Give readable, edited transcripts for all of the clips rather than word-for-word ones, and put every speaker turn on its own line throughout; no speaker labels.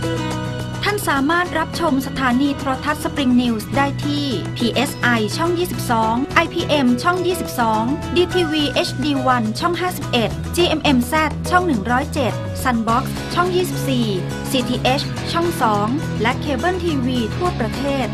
ท่านสามารถรับชมสถานีโทรทัศน์สปริงนิวส์ได้ที่ PSI ช่อง 22 IPM ช่อง 22 DTV HD1 ช่อง 51 GMMZ ช่อง 107 Sunbox ช่อง 24 CTH ช่อง 2 และเคเบิลทีวีทั่วประเทศ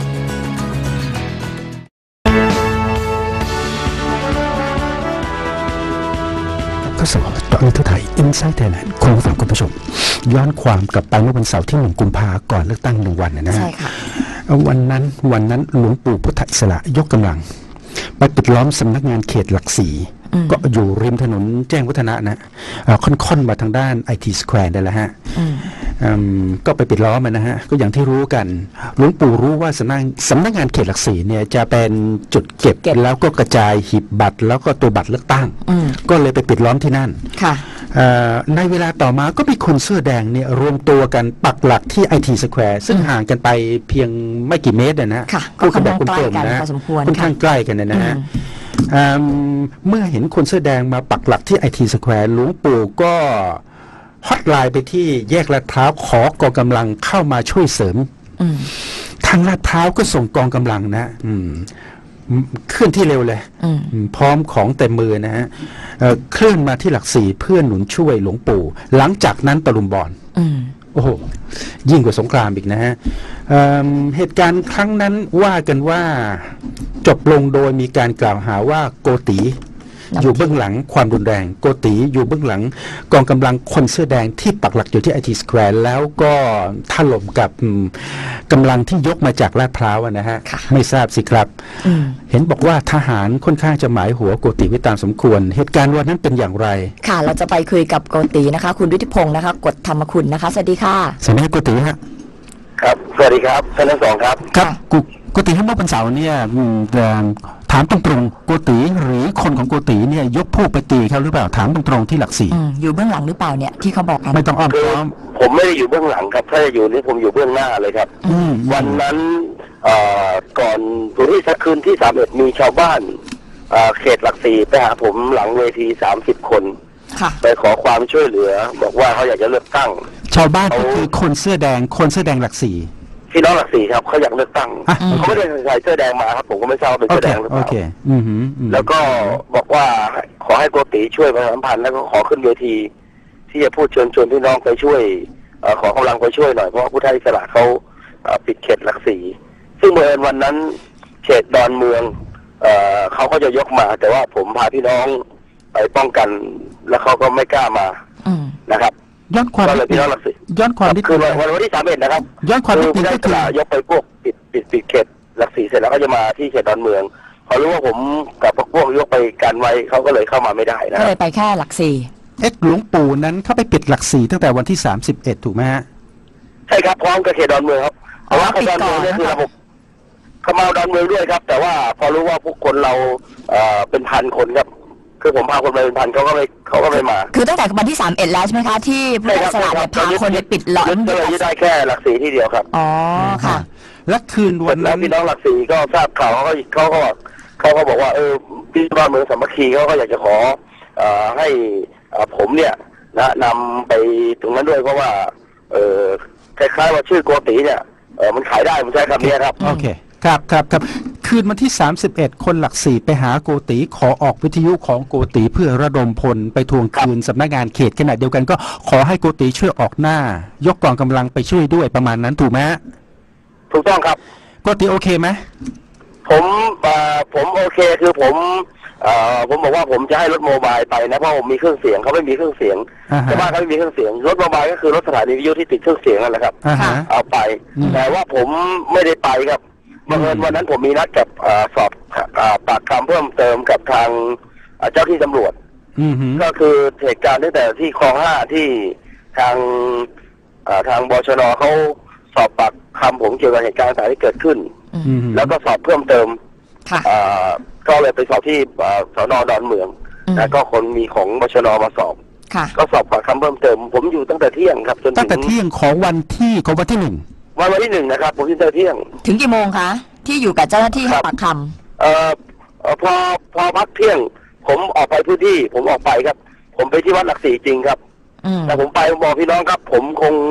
ก็สำหรับเจาะลึกทั่วไทย Inside Thailand คุณผู้ฟังคุณผู้ชมย้อนความกลับไปเมื่อวันเสาร์ที่1 กุมภาพันธ์ก่อนเลือกตั้ง1 วันนะฮะใช่ค่ะวันนั้นหลวงปู่พุทธอิสระยกกำลังไปปิดล้อมสำนักงานเขตหลักสี่ก็อยู่ริมถนนแจ้งวัฒนะนะค่อนมาทางด้าน IT Square ได้แล้วฮะก็ไปปิดล้อมนะฮะก็อย่างที่รู้กันหลวงปู่รู้ว่าสำนักงานเขตหลักสี่เนี่ยจะเป็นจุดเก็บแล้วก็กระจายหีบบัตรแล้วก็ตัวบัตรเลือกตั้งก็เลยไปปิดล้อมที่นั่นในเวลาต่อมาก็มีคนเสื้อแดงเนี่ยรวมตัวกันปักหลักที่ IT Square ซึ่งห่างกันไปเพียงไม่กี่เมตรนะก็ค่อนข้างใกล้กันพอสมควรค่อนข้างใกล้กันนะฮะเมื่อเห็นคนเสื้อแดงมาปักหลักที่ IT Square หลวงปู่ก็ฮอตไลน์ไปที่แยกลาดพร้าวขอกองกำลังเข้ามาช่วยเสริมทางลาดพร้าวก็ส่งกองกำลังนะเคลื่อนที่เร็วเลยพร้อมของเต็มมือนะฮะเคลื่อนมาที่หลักสี่เพื่อหนุนช่วยหลวงปู่หลังจากนั้นตะลุมบอลโอ้โหยิ่งกว่าสงครามอีกนะฮะเหตุการณ์ครั้งนั้นว่ากันว่าจบลงโดยมีการกล่าวหาว่าโกติอยู่เบื้องหลังความรุนแรงโกติอยู่เบื้องหลังกองกำลังคนเสื้อแดงที่ปักหลักอยู่ที่ IT Square แล้วก็ถล่มกับกำลังที่ยกมาจากลาดพร้าวนะฮะไม่ทราบสิครับเห็นบอกว่าทหารค่อนข้างจะหมายหัวโกติไว้ตามสมควรเหตุการณ์วันนั้นเป็นอย่างไร
ค่ะเราจะไปคุยกับโกตินะคะคุณฤทธิพงศ์นะคะกฎธรรมคุณนะคะสวัสดีค่ะ
สวัสดีโกติฮะ
ครับสวัสดีครับท่านทั้งสองครับ
ครับโกติให้เมื่อวันเสาร์เนี่ยถามตรงๆโกติหรือคนของโกติเนี่ยยกพวกไปตีเขาหรือเปล่าถามตรงๆที่หลักสี่
อยู่เบื้องหลังหรือเปล่าเนี่ยที่เขาบอกกัน
ไม่ต้องอ้อมค้อม
ผมไม่ได้อยู่เบื้องหลังครับถ้าจะอยู่นี่ผมอยู่เบื้องหน้าเลยครับวันนั้นก่อนที่คืนที่31มีชาวบ้านเขตหลักสี่ไปหาผมหลังเวที30 คนไปขอความช่วยเหลือบอกว่าเขาอยากจะเลือกตั้ง
ชาวบ้านก็คือคนเสื้อแดงหลักสี่
พี่น้องหลักสี่ครับเขาอยากเลือกตั้งเขาไม่ได้ใส่เสื้อแดงมาครับผมก็ไม่ทราบว่าเป็นเสื้อแดงหรือเปล่าแล้วก็บอกว่าขอให้โกติช่วยประชาสัมพันธ์แล้วก็ขอขึ้นเวทีที่จะพูดเชิญชวนพี่น้องไปช่วยขอกำลังไปช่วยหน่อยเพราะว่าผู้ไทยอิสระเขาปิดเขตหลักสี่ซึ่งเมื่อวันนั้นเขตดอนเมืองเขาก็จะยกมาแต่ว่าผมพาพี่น้องไปป้องกันแล้วเขาก็ไม่กล้ามานะครับ
ย้อนความนิด
คือวันที่31นะครับ
ย้อนความนิดนึง
ก็คือยกไปพวกปิดเขตหลักสี่เสร็จแล้วก็จะมาที่เขตดอนเมืองพอรู้ว่าผมกับพวกยกไปกันไว้เขาก็เลยเข้ามาไม่ได้นะ
ก็เลยไปแค่หลักสี่
หลวงปู่นั้นเข้าไปปิดหลักสี่ตั้งแต่วันที่31ถูกไหมฮะ
ใช่ครับพร้อมกับเขตดอนเมืองครับเพราะว่าเขตดอนเมืองนี่คือระบบเขามาดอนเมืองด้วยครับแต่ว่าพอรู้ว่าพวกคนเราเป็นพันคนครับคือผมพาคนไปเป็นพันเขาก็ไม่มา
คือตั้งแต่วันที่31แล้วใช่ไหมคะที่ผู้อิสระพาคนไปปิดล้อม
เลยได้แค่หลักสี่ที่เดียวครับ
อ๋อค่ะ
และคืนวันนั้น
พี่น้องหลักสี่ก็ทราบข่าวเขาก็บอกว่าพี่บ้านเมืองสามัคคีเขาก็อยากจะขอให้ผมเนี่ยนำไปตรงนั้นด้วยเพราะว่าคล้ายๆว่าชื่อโกติเนี่ยมันขายได้ผมใช้คำนี้ครับ
โอเคครับคืนวันที่31คนหลักสี่ไปหาโกติขอออกวิทยุของโกติเพื่อระดมพลไปทวงคืนสำนักงานเขตขณะเดียวกันก็ขอให้โกติช่วยออกหน้ายกกองกำลังไปช่วยด้วยประมาณนั้นถูกไหม
ถูกต้องครับ
โกติโอเคไหม
ผมโอเคคือผมบอกว่าผมจะให้รถโมบายไปนะเพราะผมมีเครื่องเสียงเขาไม่มีเครื่องเสียงแต่ว่าเขาไม่มีเครื่องเสียงรถโมบายก็คือรถสถานีวิทยุที่ติดเครื่องเสียงนั่นแหละครับเอาไปแต่ว่าผมไม่ได้ไปครับบังเอิญวันนั้นผมมีนัดกับสอบปากคำเพิ่มเติมกับทางเจ้าที่ตำรวจก็คือเหตุการณ์ตั้งแต่ที่คลอง5ที่ทางบชน.เขาสอบปากคำผมเกี่ยวกับเหตุการณ์ต่างๆที่เกิดขึ้นแล้วก็สอบเพิ่มเติมก็เลยไปสอบที่สน.ดอนเมืองแล้วก็คนมีของบชน.มาสอบก็สอบปากคำเพิ่มเติมผมอยู่ตั้งแต่เที่ยงครับจน
ตั้งแต่เที่ยงของวันที่1
วันที่1นะครับผมที่เที่ยง
ถึงกี่โมงคะที่อยู่กับเจ้าหน้าที่ให้ปากค
ำพอพักเที่ยงผมออกไปพื้นที่ผมออกไปครับผมไปที่วัดหลักสี่จริงครับแต่ผมไปบอกพี่น้องครับผมคง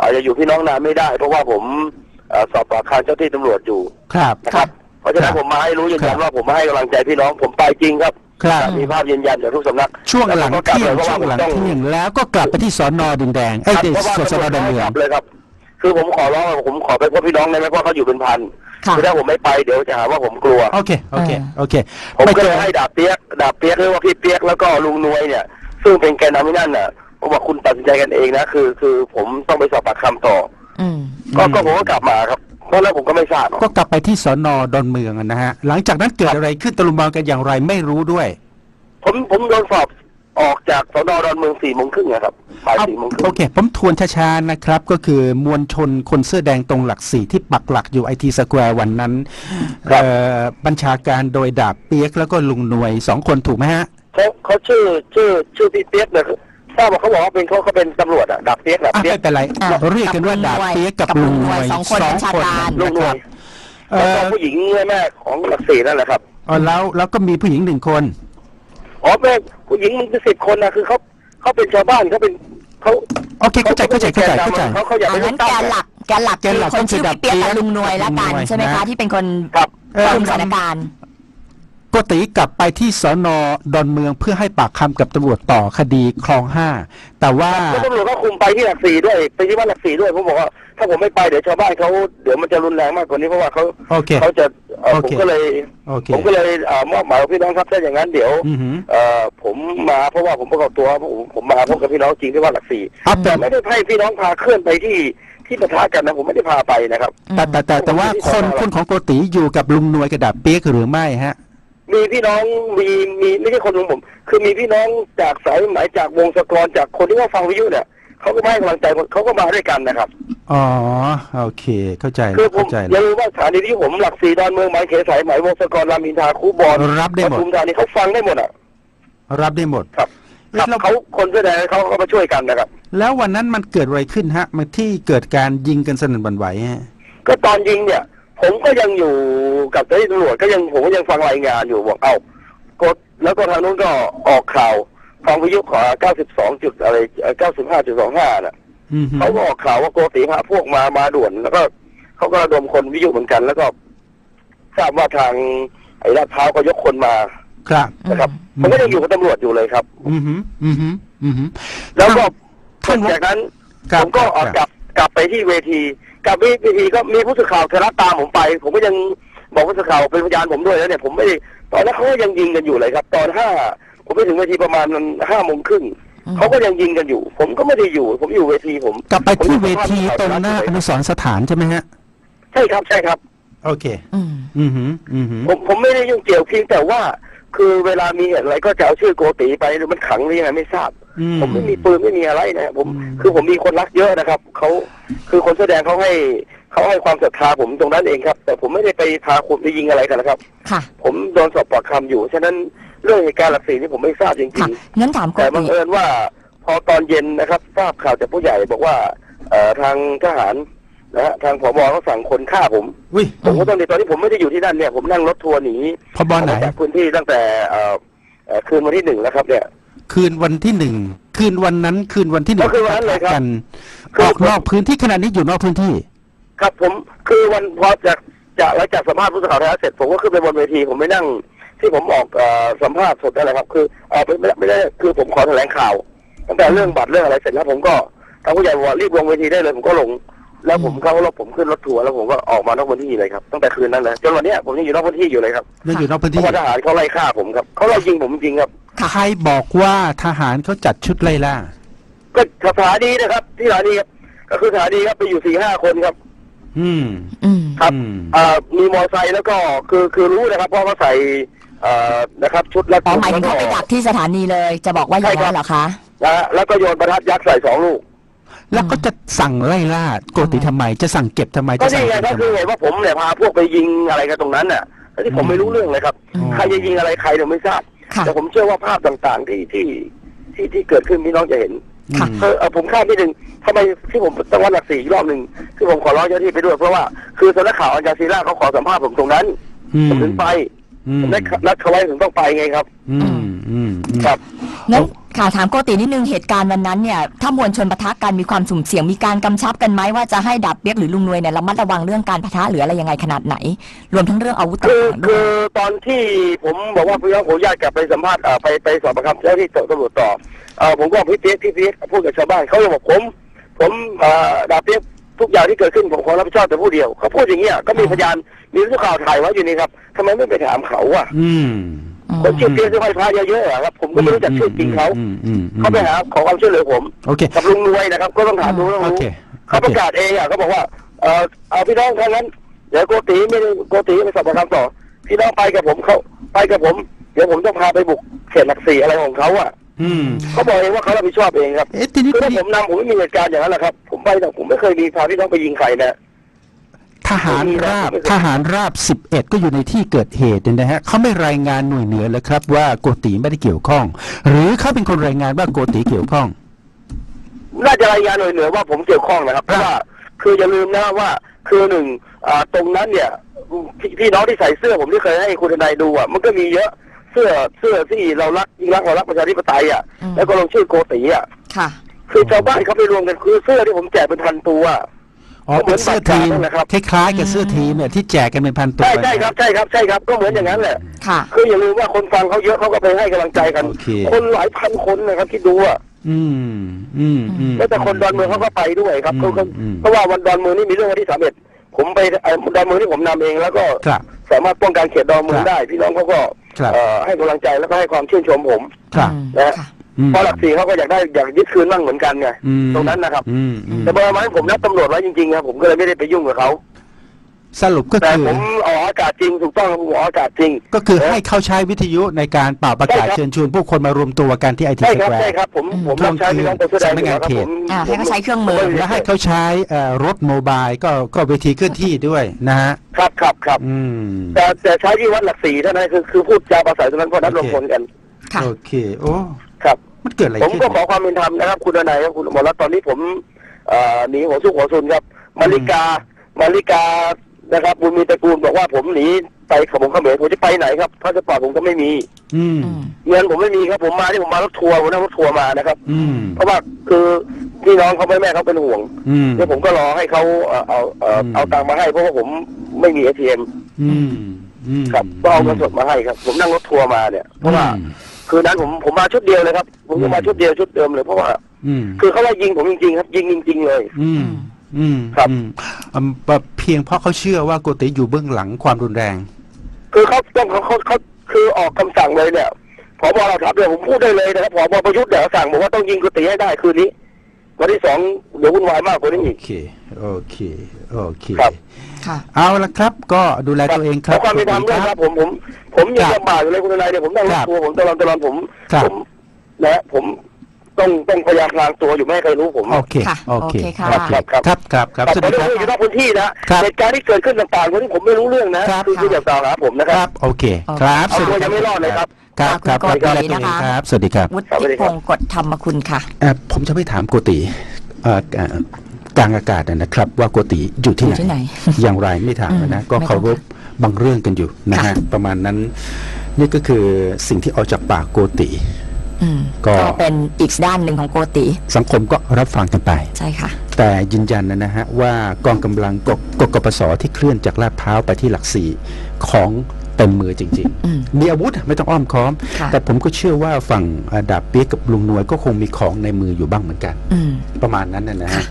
อาจจะอยู่พี่น้องนานไม่ได้เพราะว่าผมสอบปากคำเจ้าที่ตำรวจอยู่
ครับ
นะครับเพราะฉะนั้นผมมาให้รู้ยืนยันว่าผมมาให้กำลังใจพี่น้องผมไปจริงครับมีภาพยืนยันจากทุกสำนัก
ช่วงหลังเที่ยงแล้วก็กลับไปที่สน.ดินแดงสน.ดอนเมือง
เลยครับคือผมขอร้องผมขอไปพบพี่น้องได้ไหมเพราะเขาอยู่เป็นพันคือถ้าผมไม่ไปเดี๋ยวจะหาว่าผมกลัว
โอเค
ผมก็เลยให้ดาบเปียกหรือว่าพี่เปียกแล้วก็ลุงนวยเนี่ยซึ่งเป็นแกนนำที่นั่นน่ะผมบอกคุณตัดสินใจกันเองนะคือผมต้องไปสอบปากคำต่อก็ผมก็กลับมาครับเพราะแล้วผมก็ไม่ทราบ
ก็กลับไปที่สน.ดอนเมืองนะฮะหลังจากนั้นเกิดอะไรขึ้นตะลุมบอลกันอย่างไรไม่รู้ด้วย
ผมโดนสอบออกจากสน.ดอนเมือง4 โมงครึ่งครับบ่าย4 โมงครึ่ง
โอเคผมทวนช้าๆนะครับก็คือมวลชนคนเสื้อแดงตรงหลัก4ที่ปักหลักอยู่ITสแควร์วันนั้นบัญชาการโดยดาบเปียกแล้วก็ลุงหน่วย2 คนถูกไหมฮะ
เขาชื่อพี่เปียกเนี่ยทราบว่าเขาบอกว่าเขาเป็นตำรวจดาบเปียกไม่
เป็นไรเรียกกันว่าดาบเปียกกับลุงหน่วย
2 คน
ลุงหน่วยแล้วก็ผู้หญิงแม่ของหลัก4นั่นแหละครับ
แล้วก็มีผู้หญิง1 คน
แม่ผู้หญิงมันเป็น10 คนนะคือเขาเป็นชาวบ้านเขา
โอเคเข้าใจเขา
อยากเป็นแกนหลักคือคนชื่อพี่เปียกกับลุงนวยละกันใช่ไหมคะที่เป็นคนคุมสถานการณ์
โกติกลับไปที่สน.ดอนเมืองเพื่อให้ปากคำกับตำรวจต่อคดีคลอง5แต่ว่า
ตำรวจก็คุมไปที่หลัก4ด้วยไปที่บ้านหลัก4ด้วยผมบอกว่าถ้าผมไม่ไปเดี๋ยวชาวบ้านเขาเดี๋ยวมันจะรุนแรงมากกว่านี้เพราะว่าเขาจะผมก็เลยมอบหมายพี่น้องครับถ้าอย่างนั้นเดี๋ยวผมมาเพราะว่าผมประกอบตัวผมมาพบกับพี่น้องจริงที่บ้านหลัก4แต่ไม่ได้ให้พี่น้องพาเคลื่อนไปที่ปะทะกันนะผมไม่ได้พาไปนะครับ
แต่ว่าคนของโกติอยู่กับลุงนวยกระดาบเปี๊ยกหรือไม่ฮะ
มีพี่น้องมีไม่ใช่คนของผมคือมีพี่น้องจากสายไหมจากวงสกรจากคนที่ว่าฟังวิทยุเนี่ยเขาก็ให้กำลังใจเขาก็มาด้วยกันนะครับ
อ๋อโอเคเข้าใจ
คือผมอย่าลืมว่าสถานีที่ผมหลัก4ดอนเมืองหมายเขตสายไหมวงสกรรามอินทราคูบอล
รับได้หมด
ปทุมธานีเขาฟังได้หมด
รับได้หมด
ครับเขาคนแสดงเขามาช่วยกันนะครับ
แล้ววันนั้นมันเกิดอะไรขึ้นฮะมันที่เกิดการยิงกันสนั่นหวั่นไหวฮะ
ก็ตอนยิงเนี่ยผมก็ยังอยู่กับเจ้าหน้าที่ตำรวจผมก็ยังฟังรายงานอยู่บอกกดแล้วก็ทางนู้นก็ออกข่าวฟังวิทยุขอ92จุดอะไร 95.25 น่ะเขาก็ออกข่าวว่าโกติพาพวกมาด่วนแล้วก็เขาก็ระดมคนวิทยุเหมือนกันแล้วก็ทราบว่าทางไอ้ลาดพร้าวก็ยกคนมา
ครับ
นะครับผมก็ยังอยู่กับตำรวจอยู่เลยครับแล้วก็จากนั้นผมก็กลับไปที่เวทีกับเวทีก็มีผู้สื่อข่าวไทยรัฐตามผมไปผมก็ยังบอกผู้สื่อข่าวเป็นพยานผมด้วยแล้วเนี่ยผมไม่ได้ตอนนั้นเขาก็ยังยิงกันอยู่เลยครับตอนผมไปถึงเวทีประมาณ5 โมงครึ่งเขาก็ยังยิงกันอยู่ผมก็ไม่ได้อยู่ผมอยู่เวทีผม
กลับไปที่เวทีตรงหน้าอนุสรณ์สถานใช่ไหมฮะ
ใช่ครับ
โอเค
ผมไม่ได้ยุ่งเกี่ยวเพียงแต่ว่าคือเวลามีอะไรก็จะเอาชื่อโกติไปหรือมันขังหรือยังไงไม่ทราบผมไม่มีปืนไม่มีอะไรนะผมมีคนรักเยอะนะครับเขาคือคนแสดงเขาให้ความศรัทธาผมตรงนั้นเองครับแต่ผมไม่ได้ไปพาคนไปยิงอะไรกันนะครับผมโดนสอบปากคำอยู่ฉะนั้นเรื่องเหตุการณ์หลัก4นี่ผมไม่ทราบจริง
ๆงั้นถาม
แต่บังเอิญว่าพอตอนเย็นนะครับทราบข่าวจากผู้ใหญ่บอกว่าทางทหารนะฮะทางผบ.เขาสั่งคนฆ่าผมก็ต้องในตอนที่ผมไม่ได้อยู่ที่นั่นเนี่ยผมนั่งรถทัวร์หนี
ผบ.ไหน
จากพื้นที่ตั้งแต่คืนวันที่1แล้วครับเนี่ย
คืนวันที่1คืนวันนั้นคืนวันที่1
ก็คือวันนั้นเลยครับ
ออกนอกพื้นที่ขณะนี้อยู่นอกพื้นที่
ครับผมคือวันพอหลังจากสัมภาษณ์ผู้สื่อข่าวไทยรัฐเสร็จผมก็ขึ้นไปบนเวทีผมไปนั่งที่ผมออกสัมภาษณ์สดอะไรครับคือไม่ได้คือผมขอแถลงข่าวตั้งแต่เรื่องบัตรเรื่องอะไรเสร็จแล้วผมก็ทางผู้ใหญ่บอกว่ารีบลงเวทีได้เลยผมก็ลงแล้วผมเข้ารถผมขึ้นรถทัวร์แล้วผมก็ออกมานอกพื้นที่เลยครับตั้งแต่คืนนั้นเลยจนวันนี้ผมยังอยู่นอกพื้นที่อยู่เลยครับ
ยังอยู่นอกพื้นที่
เพราะทหารเขาไล่ฆ่าผมครับเขาไล่ยิงผมจริงครับ
ใครบอกว่าทหารเขาจัดชุดไล่ล่า
ก็สถานีนะครับที่สถานีครับก็คือสถานีครับไปอยู่ 4-5 คนครับครับมีมอไซค์แล้วก็คือรู้นะครับเพราะว่าใส่นะครับชุดและ
หมายถึงเขาไปดักที่สถานีเลยจะบอกว่าอย่างนั้นเหรอคะ
แล้วก็โยนประทัดยักษ์ใส่2 ลูก
แล้วก็จะสั่งไล่ล่าโกติทำไมจะสั่งเก็บทำไม
ก็นี่ไงก็คือเห็นว่าผมเนี่ยพาพวกไปยิงอะไรกันตรงนั้นน่ะที่ผมไม่รู้เรื่องเลยครับใครจะยิงอะไรใครเราไม่ทราบแต่ผมเชื่อว่าภาพต่างๆที่เกิดขึ้นพี่น้องจะเห็นผมข้ามที่หนึ่งทำไมที่ผมตั้งวันหลัก4อีกรอบหนึ่งที่ผมขอร้องเจ้าที่ไปด้วยเพราะว่าคือสำนักข่าวอัลจาซีราเขาขอสัมภาษณ์ผมตรงนั้นผมถึงไปผมได้นัดเขาไว้ถึงต้องไปไงครับ
ครับ
ค่ะถามโกตินิดนึงเหตุการณ์วันนั้นเนี่ยถ้ามวลชนปะทะกันมีความสุ่มเสี่ยงมีการกำชับกันไหมว่าจะให้ดาบเปี๊ยกหรือลุงนวยเนี่ยระมัดระวังเรื่องการปะทะหรืออะไรยังไงขนาดไหนรวมทั้งเรื่องอาวุธต่างๆด้วย
คือตอนที่ผมบอกว่าพี่น้องผมญาติกลับไปสัมภาษณ์ไปสอบปากคำเจ้าที่ตำรวจต่อผมก็พี่เปี๊ยกพูดกับชาวบ้านเขาบอกผมดาบเปี๊ยกทุกอย่างที่เกิดขึ้นผมขอรับผิดชอบแต่ผู้เดียวเขาพูดอย่างเงี้ยก็มีพยานมีผู้ข่าวถ่ายไว้อยู่นี่ครับทำไมไม่ไปถามเขาอ่ะคนชื่อเปี๊ยกที่ไหว้พระเยอะๆครับผมก็ไม่รู้จักชื่อจริงเขาไปหาขอความช่วยเหลือผมกับลุงนวยนะครับก็ต้องถามลุงเขาประกาศเองเขาบอกว่าเอาพี่น้องทั้งนั้นเดี๋ยวโกติไปสอบปากคำต่อพี่น้องไปกับผมเขาไปกับผมเดี๋ยวผมต้องพาไปบุกเขตหลักสี่อะไรของเขาอ่ะเขาบอกเองว่าเขารับผิดชอบเองครับคือถ้าผมนำผมไม่มีเหตุการณ์อย่างนั้นแหละครับผมไปแต่ผมไม่เคยมีพาพี่น้องไปยิงใครนะ
ทหารราบ11ก็อยู่ในที่เกิดเหตุนะฮะเขาไม่รายงานหน่วยเหนือเลยครับว่าโกติไม่ได้เกี่ยวข้องหรือเขาเป็นคนรายงานว่าโกติเกี่ยวข้อง
น่าจะรายงานหน่วยเหนือว่าผมเกี่ยวข้องนะครับเพราะว่าคืออย่าลืมนะว่าคือหนึ่งตรงนั้นเนี่ยพี่น้องที่ใส่เสื้อผมที่เคยให้คุณทนายดูอ่ะมันก็มีเยอะเสื้อที่เรารักยิ่งรักเรารักประชาธิปไตยอ่ะแล้วก็ลงชื่อโกติอ่ะ
ค่ะ
คือชาวบ้านเขาไปรวมกันคือเสื้อที่ผมแจกเป็นพันตัว
เป็นเสื้อทีมคล้ายๆกับเสื้อทีมเนี่ยที่แจกกันเป็นพันตัว
ใช่ครับก็เหมือนอย่างนั้นแหละคืออย่าลืมว่าคนฟังเขาเยอะเขาก็ไปให้กำลังใจกันคนหลายพันคนนะครับที่ดูอ่ะแล้วแต่คนดอนเมืองเขาก็ไปด้วยครับเพราะว่าวันดอนเมืองนี่มีเรื่องวันที่31ผมไปดอนเมืองที่ผมนำเองแล้วก็สามารถป้องกันเขตดอนเมืองได้พี่น้องเขาก็ให้กำลังใจแล้วก็ให้ความชื่นชมผมนะเพราะหลักสี่เขาก็อยากยึดคืนบ้างเหมือนกันไงตรงนั้นนะครับแต่เบอร์มันผมนัดตำรวจไว้จริงๆครับผมก็เลยไม่ได้ไปยุ่งกับเขา
สรุปก็คือ
แต่ผมออกอากาศจริงถูกต้องผมออกอากาศจริง
ก็คือให้เขาใช้วิทยุในการเป่าประกาศเชิญชวนผู้คนมารวมตัวกันที่ไอทีสแควร์
ใช่ครับผมรับใช้พี่น้องไปแสดง
งานเขต
ให้เขาใช้เครื่องมือ
และให้เขาใช้รถโมบายก็เวทีเคลื่อนที่ด้วยนะฮะ
ครับแต่ใช้ที่วัดหลักสี่เท่านั้นคือพูดจาภาษาตรงนั้นเพราะนัดรวมพลกัน
โอเคโอ้
ครับ
มันเกิดอะไร
ผมก็ขอความเป็นธรรมนะครับคุณนายครับคุณหมอรัตน์ตอนนี้ผมหนีหัวซุกหัวซุนครับมาริกานะครับบุญมีตระกูลบอกว่าผมหนีไปขบวนเขมรผมจะไปไหนครับพาสปอร์ตผมก็ไม่มีเงินผมไม่มีครับผมมารถทัวร์ผมนั่งรถทัวร์มานะครับเพราะว่าคือพี่น้องเขาแม่เขาเป็นห่วงเดี๋ยวผมก็รอให้เขาเอาตังค์มาให้เพราะว่าผมไม่มี ATM ครับก็เอาเงินสดมาให้ครับผมนั่งรถทัวร์มาเนี่ยเพราะว่าคือนั้นผมมาชุดเดียวเลยครับผมมาชุดเดียวชุดเดิมเลยเพราะว่าคือเขาว่ายิงผมจริงๆครับยิงจริงๆเลย
ครับเพียงเพราะเขาเชื่อว่าโกติอยู่เบื้องหลังความรุนแรง
คือเขาคือออกคำสั่งเลยเนี่ยผบ.เราถามเดี๋ยวผมพูดได้เลยนะครับผบ.ประยุทธ์เดี๋ยวสั่งบอกว่าต้องยิงโกติให้ได้คืนนี้วันที่2เดี๋ยววุ่นวายมากกว่านี้อีก
โอเคเอาละครับก็ดูแลตัวเองครับ
ความเป็นธรรมด้วยครับผมยังลำบากอยู่เลยคุณนายเนี่ยผมนั่งรถทัวร์ผมตลอดผมต้องพยายามพลางตัวอยู่ไม่ให้ใครรู้ผม
โอเคครับ
สวัสดีครับอยู่นอกพื้นที่นะเหตุการณ์ที่เกิดขึ้นต่างๆวันนี้ผมไม่รู้เรื่องนะคืออย่ากล่าวหาผมนะครับ
โอเคครับ
เอาตัวยังไม่รอดเลยครับ
ครับสวัสดีครับ
วุฒิพงศ์กฎธรรมคุณค่ะ
ผมจะไม่ถามโกติกลางอากาศนะครับว่าโกติอยู่ที่ไหนอย่างไรไม่ถามนะก็เคารพบางเรื่องกันอยู่นะฮะประมาณนั้นนี่ก็คือสิ่งที่ออกจากปากโกติ
ก็เป็นอีกด้านหนึ่งของโกติ
สังคมก็รับฟังกันไป
ใช่ค่ะ
แต่ยืนยันนะฮะว่ากองกำลังกปสที่เคลื่อนจากลาดพร้าวไปที่หลักสี่ของเต็มมือจริงๆมีอาวุธไม่ต้องอ้อมค้อมแต่ผมก็เชื่อว่าฝั่งดาบเปี๊ยกกับลุงนวยก็คงมีของในมืออยู่บ้างเหมือนกันประมาณนั้นนะฮะ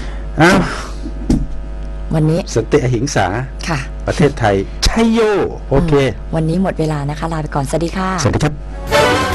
วันนี้
สันติอหิงสาประเทศไทยชัยโยโอเค
วันนี้หมดเวลานะคะลาไปก่อนสวัสดีค่ะ
สวัสดีครับ